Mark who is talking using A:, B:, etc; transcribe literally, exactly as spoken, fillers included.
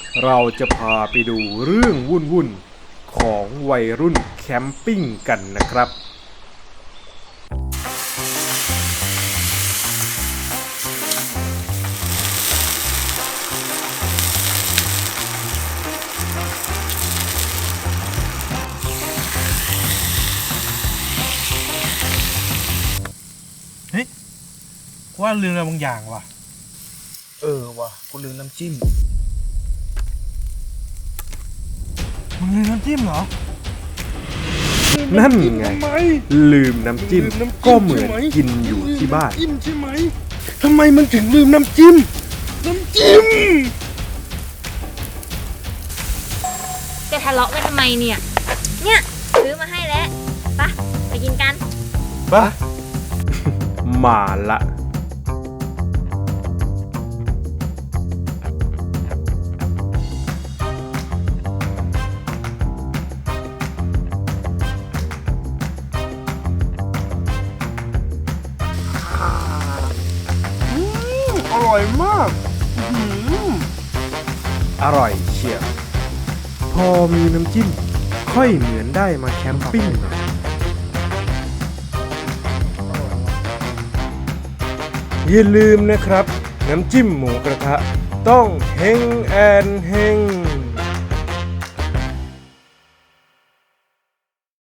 A: เราจะพาไปดูเรื่องวุ่นๆของวัยรุ่นแคมปิ้งกันนะครับ
B: เฮ้ยว่าลืมอะไรบางอย่างว่ะ
C: เออว่ะกูลืมน้ำจิ้ม
B: มึงลืมน้ำจิ้มเหรอ
A: นั่นไง
C: ทำไม
A: ลืมน้ำจิ้ม
C: ลืมน้ำจิ้ม
A: ก็เหมือน
C: ใช่ไหม
A: กินอยู่ที่บ้าน
C: น้ำจิ้มใช่ไหมทำไมมันถึงลืมน้ำจิ้ม น้ำจิ้ม
D: จะทะเลาะกันทำไมเนี่ย เนี่ยซื้อมาให้แล้วปะไปกินกัน
C: ปะ
A: มาละ
C: อร่อยมากอื้อหือ
A: อร่อยเชียวพอมีน้ำจิ้ม ค่อยเหมือนได้มาแคมปิ้งหน่อยอย่าลืมนะครับ น้ำจิ้มหมูกระทะต้องเฮงแอนเฮง